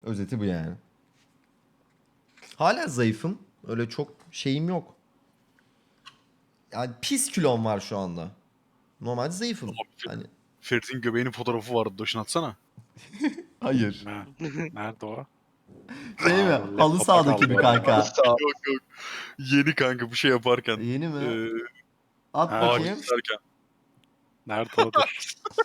Özeti bu yani. Hala zayıfım. Öyle çok şeyim yok. Yani pis kilom var şu anda. Normalde zayıfım. Hani Ferit'in göbeğinin fotoğrafı vardı. Doşun atsana. hayır. Ne? Nerede o? Şey mi? Aa, Halı laptopa sahadaki kaldı bir galiba. kanka. Sağ ol. Yok yok. Yeni kanka bu şey yaparken. Yeni mi? Ee, At Ha, ağaç bakayım. keserken. Nerede o dur.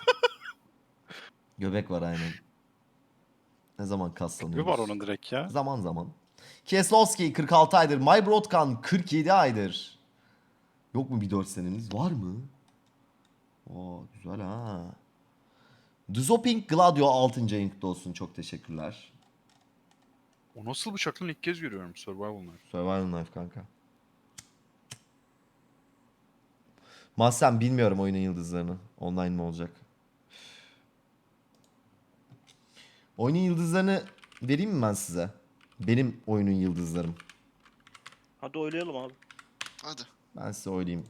Göbek var aynen. Ne zaman Bir kaslanıyoruz? var onun direkt ya. Zaman zaman. Kieslowski 46 aydır. My Brodkan 47 aydır. Yok mu bir 4 senemiz? Var mı? Oo güzel ha. Duzoping Gladio 6. ayın kutlu olsun. Çok teşekkürler. O nasıl bıçak lan ilk kez görüyorum Survival Knife. Survival Knife kanka. Mahsen bilmiyorum oyunun yıldızlarını. Online mi olacak? Oyunun yıldızlarını vereyim mi ben size? Benim oyunun yıldızlarım. Hadi oynayalım abi. Hadi. Ben size oynayayım.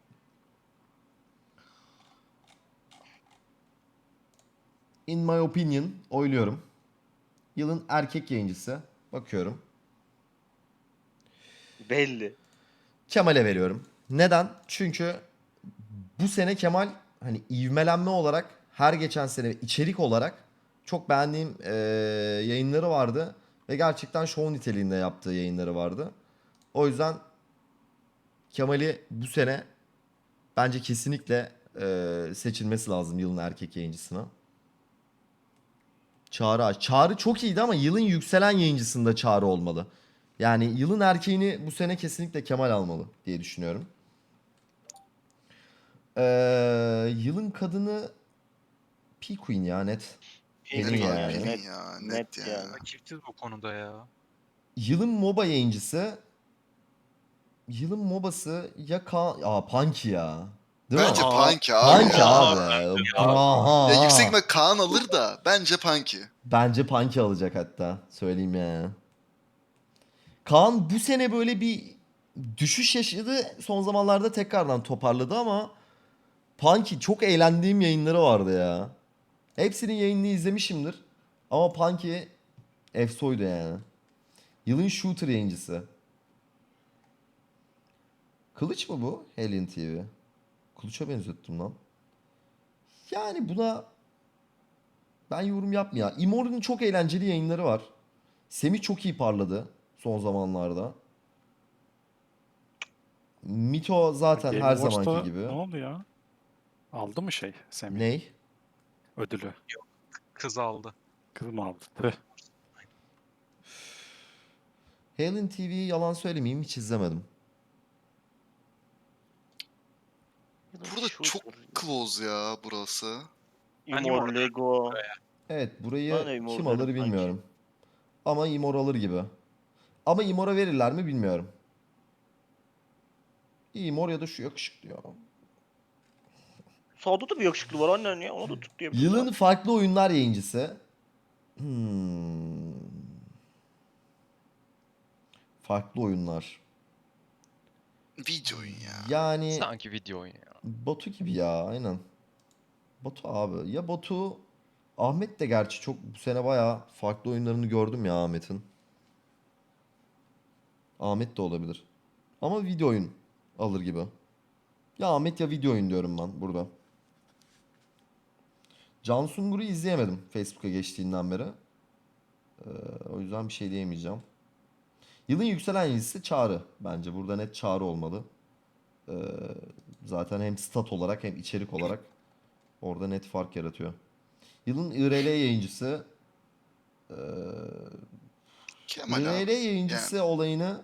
In my opinion oyluyorum. Yılın erkek yayıncısı. Bakıyorum. Belli. Kemal'e veriyorum. Neden? Çünkü bu sene Kemal hani ivmelenme olarak her geçen sene içerik olarak çok beğendiğim yayınları vardı. Ve gerçekten show niteliğinde yaptığı yayınları vardı. O yüzden Kemal'i bu sene bence kesinlikle seçilmesi lazım yılın erkek yayıncısına. Çağrı Aç. Çağrı çok iyiydi ama yılın yükselen yayıncısında Çağrı olmalı. Yani yılın erkeğini bu sene kesinlikle Kemal almalı diye düşünüyorum. Yılın kadını P-Queen ya net. Pelin Pelin Pelin, yani. Pelin Net, ya. net Net ya. yani. Rakipsiz bu konuda ya. Yılın MOBA yayıncısı. Yılın MOBA'sı ya Punky ya. Değil Bence mi? Punky abi Punky ya. abi. Aha. Ya yüksek ihtimal Kaan alır da bence Punky. Bence Punky alacak hatta. Söyleyeyim ya. Kaan bu sene böyle bir düşüş yaşadı. Son zamanlarda tekrardan toparladı ama Punky çok eğlendiğim yayınları vardı ya. Hepsinin yayınını izlemişimdir. Ama Punky efsoydu yani. Yılın shooter yayıncısı. Kılıç mı bu? Helin TV. Kılıç'a benzettim lan. Yani buna ben yorum yapmayayım. Immor'un çok eğlenceli yayınları var. Semih çok iyi parladı son zamanlarda. Mito zaten Game her Awards'ta zamanki gibi. Ne oldu ya? Aldı mı şey Semih? Ney? Ödülü. Kız aldı. Kız mı aldı? Tüh. Halen TV'yi yalan söylemeyeyim hiç izlemedim. Burada çok close ya burası. Imor, Lego. Evet Ben burayı de Immor kim derim alır sanki. bilmiyorum. Ama Immor alır gibi. Ama Immor'a verirler mi bilmiyorum. Immor ya da şu yakışıklı ya. Sağda da bir yakışıklı var annen ya. Onu da tut diyebiliriz. Yılın abi. farklı oyunlar yayıncısı. Hmm. Farklı oyunlar. Video oyun ya. Yani Sanki video oyunu ya. Batu gibi ya aynen. Batu abi. Ya Batu Ahmet de gerçi çok bu sene bayağı farklı oyunlarını gördüm ya Ahmet'in. Ahmet de olabilir. Ama video oyun alır gibi. Ya Ahmet ya video oyun diyorum ben burada. Can Sungur'u izleyemedim Facebook'a geçtiğinden beri. O yüzden bir şey diyemeyeceğim. Yılın yükselen yıldızı Çağrı. Bence burada net Çağrı olmalı. Ee, zaten hem stat olarak hem içerik olarak orada net fark yaratıyor. Yılın IRL yayıncısı Kemal IRL abi. yayıncısı Yani. olayını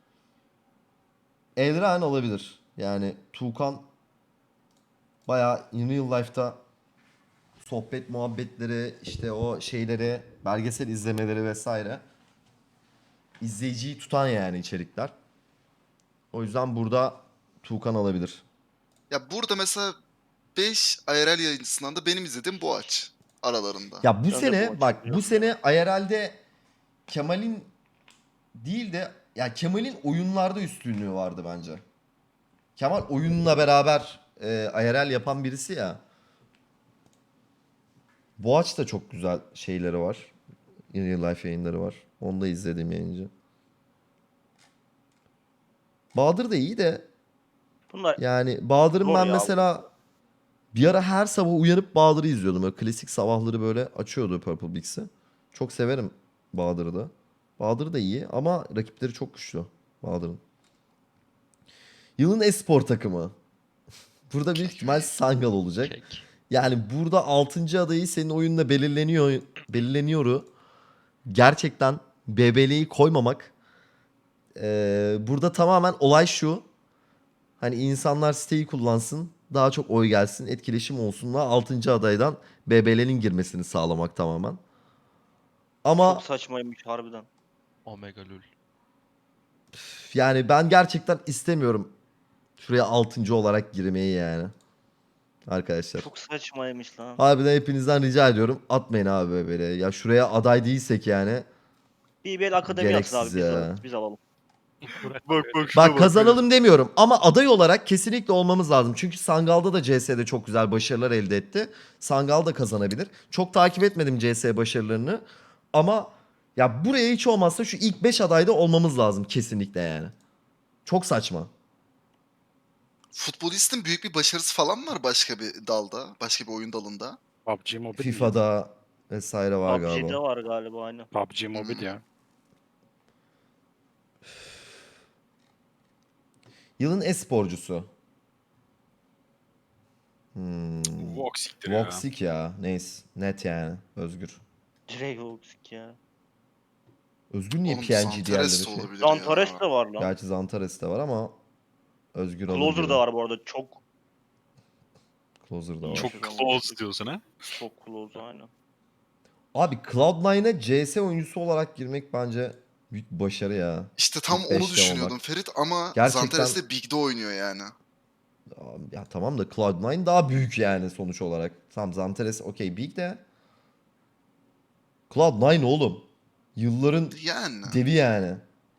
Elren olabilir. Yani Tuğkan bayağı in real life'ta sohbet muhabbetleri işte o şeyleri belgesel izlemeleri vesaire izleyiciyi tutan yani içerikler. O yüzden burada Tuğkan alabilir. Ya burada mesela 5 IRL yayıncısından da benim izlediğim Boğaç aralarında. Ya bu Ben de sene bu bak açıdan bu sene IRL'de Kemal'in değil de ya Kemal'in oyunlarda üstünlüğü vardı bence. Kemal oyunla beraber IRL yapan birisi ya. Boğaç da çok güzel şeyleri var. In Real Life yayınları var. Onu da izlediğim yayıncı. Bahadır da iyi de Bunlar yani Bahadır'ın Zor ben ya. mesela bir ara her sabah uyanıp Bahadır'ı izliyordum. Böyle klasik sabahları böyle açıyordu Purple Bix'i. Çok severim Bahadır'ı da. Bahadır da iyi ama rakipleri çok güçlü Bahadır'ın. Yılın espor takımı. Burada büyük ihtimal Sangal olacak. Kek. Yani burada 6. adayı senin oyunla belirleniyor. Gerçekten BBL'yi koymamak. Burada tamamen olay şu. Hani insanlar siteyi kullansın. Daha çok oy gelsin. Etkileşim olsunlar. 6. adaydan BBL'nin girmesini sağlamak tamamen. Ama çok saçmaymış harbiden. Omega Lul. yani ben gerçekten istemiyorum şuraya 6. olarak girmeyi yani. Arkadaşlar. Çok saçmaymış lan. Harbiden hepinizden rica ediyorum. Atmayın abi BBL'ye. Ya şuraya aday değilsek yani. BBL Akademi atsın abi Gereksiz ya. biz alalım. Bak bak şuna Bak kazanalım demiyorum ama aday olarak kesinlikle olmamız lazım. Çünkü Sangal'da da CS'de çok güzel başarılar elde etti. Sangal da kazanabilir. Çok takip etmedim CS başarılarını. Ama ya buraya hiç olmazsa şu ilk 5 adayda olmamız lazım kesinlikle yani. Çok saçma. Futbolistin büyük bir başarısı falan var başka bir dalda, başka bir oyun dalında. PUBG Mobile. FIFA'da vesaire var PUBG'de galiba. var galiba aynı. PUBG Mobile ya. Yılın e-sporcusu. Voxic'tir ya. Voxic ya. Neyse. Net yani. Özgür. Direkt Oxik ya. Özgür niye Oğlum PNG Zantares diğerleri de şey? olabilir Zantares ya. de var lan. Gerçi Zantares de var ama Özgür alır Closer gibi. da var bu arada. Çok Closer da var. Çok close diyorsun ha. çok close aynen. Abi Cloud9'a CS oyuncusu olarak girmek bence büyük bir başarı ya. İşte tam İlk onu beşte düşünüyordum olmak. Ferit ama Gerçekten- Zantares de Big'de oynuyor yani. Ya tamam da Cloud9 daha büyük yani sonuç olarak. Tamam Zantares okey big de. Cloud9 oğlum. Yılların Yani. devi yani.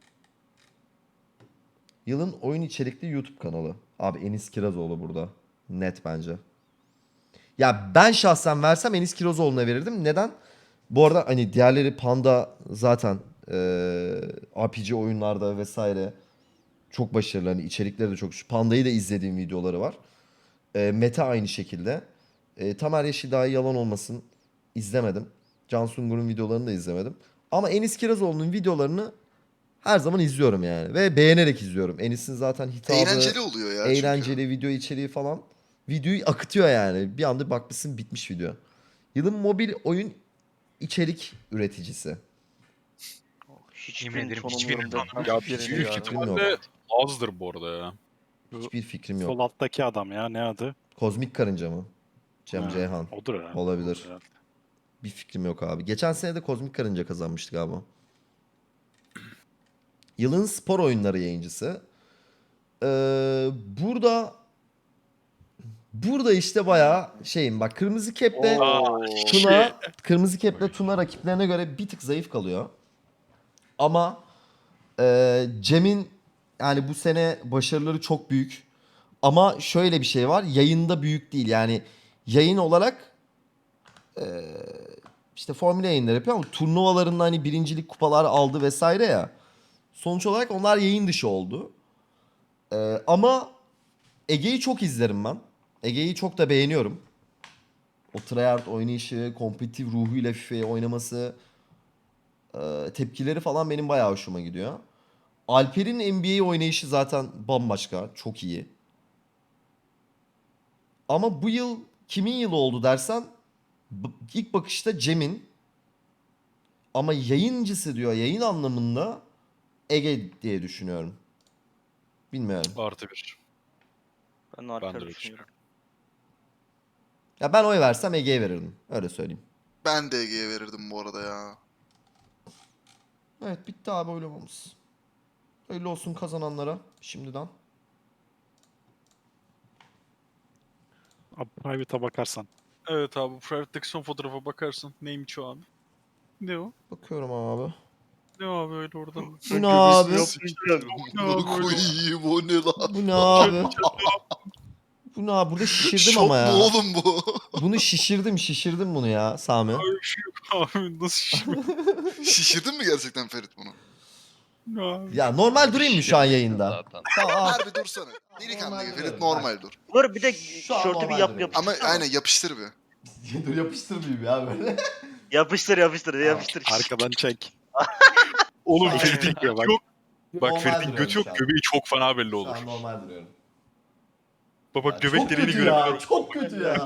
Yılın oyun içerikli YouTube kanalı. Abi Enis Kirazoğlu burada. Net bence. Ya ben şahsen versem Enis Kirazoğlu'na verirdim. Neden? Bu arada hani diğerleri Panda zaten RPG oyunlarda vesaire çok başarılı. Hani içerikleri de çok. Panda'yı da izlediğim videoları var. Mete aynı şekilde. Tamer Yeşilday yalan olmasın izlemedim. Can Sungur'un videolarını da izlemedim. Ama Enis Kirazoğlu'nun videolarını her zaman izliyorum yani. Ve beğenerek izliyorum. Enis'in zaten hitabı, Eğlenceli oluyor ya eğlenceli video içeriği falan. Videoyu akıtıyor yani. Bir anda bakmışsın bitmiş video. Yılın mobil oyun içerik üreticisi. Hiçbir Yemin ederim tanımıyorum hiçbirini ben. tanımıyorum. Ya Hiçbirini büyük yani. fikrim yok. ihtimalle azdır bu arada ya. Hiçbir fikrim yok. Sol alttaki adam ya, ne adı? Kozmik Karınca mı? Cem Ha, Ceyhan. Odur ya. Olabilir. Odur herhalde. Bir fikrim yok abi. Geçen sene de Kozmik Karınca kazanmıştı galiba. Yılın spor oyunları yayıncısı. Burada işte bayağı şeyim bak Kırmızı Kep'le Tuna, Kırmızı Kep'le Tuna rakiplerine göre bir tık zayıf kalıyor. Ama Cem'in yani bu sene başarıları çok büyük. Ama şöyle bir şey var. Yayında büyük değil. Yani yayın olarak işte formüle yayınları yapıyor ama turnuvalarında hani birincilik kupalar aldı vesaire ya. Sonuç olarak onlar yayın dışı oldu. Ama Ege'yi çok izlerim ben. Ege'yi çok da beğeniyorum. O tryhard oynayışı, kompetitif ruhuyla FIFA'yı oynaması, tepkileri falan benim bayağı hoşuma gidiyor. Alper'in NBA oynayışı zaten bambaşka, çok iyi. Ama bu yıl kimin yılı oldu dersen ilk bakışta Cem'in. Ama yayıncısı diyor yayın anlamında Ege diye düşünüyorum. Bilmiyorum. Artı bir. Ben Ben de Alper öyle düşünüyorum. düşünüyorum. Ya ben oy versem Ege'ye verirdim. Öyle söyleyeyim. Ben de Ege'ye verirdim bu arada ya. Evet bitti abi oylamamız. Hayırlı olsun kazananlara şimdiden. Abi private'a bakarsan. Evet abi Private son fotoğrafa bakarsın. Neymiş o abi? Ne o? Bakıyorum abi. Ne abi öyle oradan? Bu ne abi? Ne abi öyle? Koyayım o ne lan? Bu ne abi? Bu Bu ne abi? Burada şişirdim Şok ama mu ya. oğlum bu? Bunu şişirdim bunu ya Sami. Öyle bir şey yok abi. Nasıl şişme? Şişirdin mi gerçekten Ferit bunu? Abi. Ya normal durayım mı şu an yayında? Zaten. Tamam al. Harbi dursana. Delikanlı Normal gibi duruyorum. Ferit normal dur. Dur bir de Şu an şortu bir normal yap duruyorum. Ama yapıştır. aynen yapıştır bir. Dur yapıştırmayayım ya böyle. Yapıştır yapıştır. Arkadan çek. Oğlum Aynen. Ferit'in Çekiyor bak. götü yok. Bak Normal Ferit'in duruyorum götü yok. şu an. Göbeği çok fena belli Şu olur. an normal duruyorum. Bak Ya bak göbek çok deliğini kötü ya. görebiliyorum. Çok kötü ya.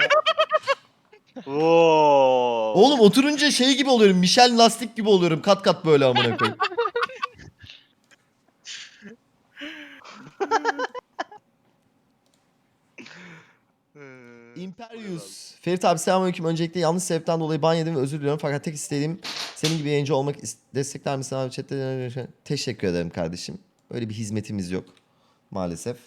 Oo. Oğlum oturunca şey gibi oluyorum. Michel lastik gibi oluyorum. Kat kat böyle amına koyayım. Imperius. Ferit abi selamünaleyküm. Öncelikle yanlış sebepten dolayı ban yedim ve özür diliyorum. Fakat tek istediğim senin gibi yayıncı olmak. Destekler misin abi chatte? Teşekkür ederim kardeşim. Öyle bir hizmetimiz yok. Maalesef.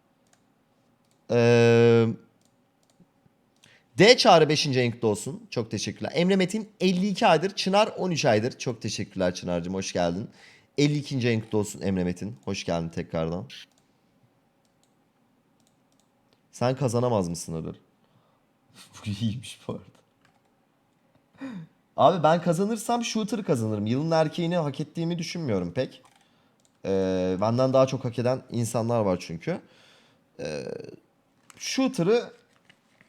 D Çağrı 5. renkli olsun. Çok teşekkürler. Emre Metin 52 aydır. Çınar 13 aydır. Çok teşekkürler Çınar'cığım. Hoş geldin. 52. renkli olsun Emre Metin. Hoş geldin tekrardan. Sen kazanamaz mısın ödül? Bu iyiymiş bu arada. Abi ben kazanırsam shooter'ı kazanırım. Yılın erkeğini hak ettiğimi düşünmüyorum pek. Benden daha çok hak eden insanlar var çünkü. Shooter'ı